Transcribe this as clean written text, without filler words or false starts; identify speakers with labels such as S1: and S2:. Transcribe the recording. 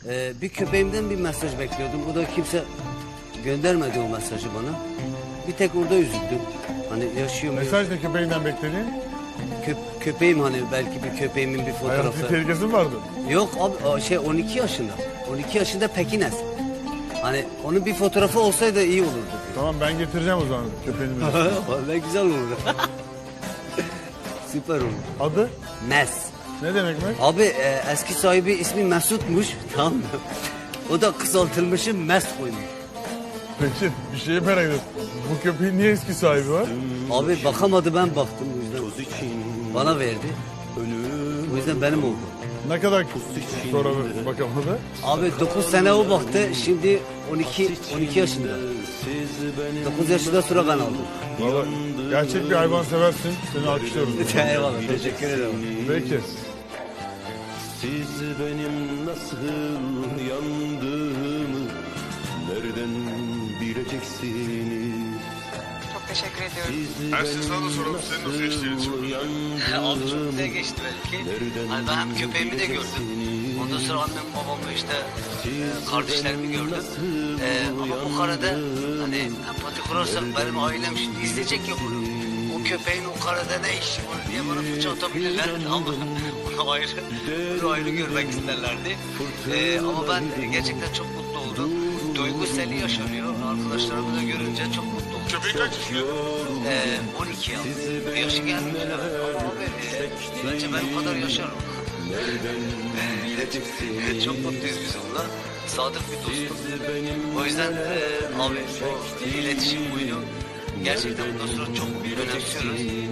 S1: Bir köpeğimden bir mesaj bekliyordum. Bu da kimse göndermedi o mesajı bana. Bir tek orada üzüldüm. Hani yaşıyor mu?
S2: Mesaj ne köpeğinden beklediğin?
S1: Köpeğim hani belki bir köpeğimin bir
S2: Hayati
S1: fotoğrafı.
S2: tehlikesi mi vardı?
S1: Yok abi 12 yaşında. 12 yaşında Pekines. Hani onun bir fotoğrafı olsaydı iyi olurdu.
S2: Tamam ben getireceğim o zaman köpeğini.
S1: Vallahi güzel olurdu. Süper olur.
S2: Adı?
S1: Mes.
S2: Ne demek mi?
S1: Abi eski sahibi ismi Mesut'muş. Tamam mı? O da kısaltılmışı Mes koymuş.
S2: Peki bir şeyi merak ediyorum. Bu köpeğin niye eski sahibi var?
S1: Abi bakamadı, ben baktım o yüzden. Bana verdi. O yüzden benim oldu.
S2: Ne kadar sonra bakamadı?
S1: Abi 9 sene o baktı. Şimdi 12 yaşında. 9 yaşında sonra ben aldım.
S2: Vallahi gerçek bir hayvan seversin. Seni alkışlıyorum.
S1: Eyvallah, teşekkür ederim.
S2: Peki.
S3: Siz benim nasıl yandığımı nereden bileceksiniz?
S4: Çok teşekkür ediyorum.
S2: Ersin sana da soralım. Senin nasıl geçti iletişim?
S1: Abi çok güzel geçti belki. Hani ben hem köpeğimi de gördüm. Ondan sonra annem babamı işte kardeşlerimi gördüm. Ama Bukhara'da hani empati kurarsak benim ailem şimdi izleyecek ya bunu. O köpeğin o karada ne işi var diye bana fırça atabilirler. Ama bunu ayrı görmek isterlerdi. Ama ben gerçekten çok mutlu oldum. Duygu seli yaşanıyor. Arkadaşlarımı da görünce çok mutlu oldum.
S2: Köpeği kaç yaşında?
S1: 12 yıl. Bir yaşı gelmiş. Ama abi bence ben o kadar yaşarım. Çok mutluyuz biz onunla. Sadık bir dostum. O yüzden abi o iletişim buydu. Gerçekten bu dostluğu çok önemsiyoruz.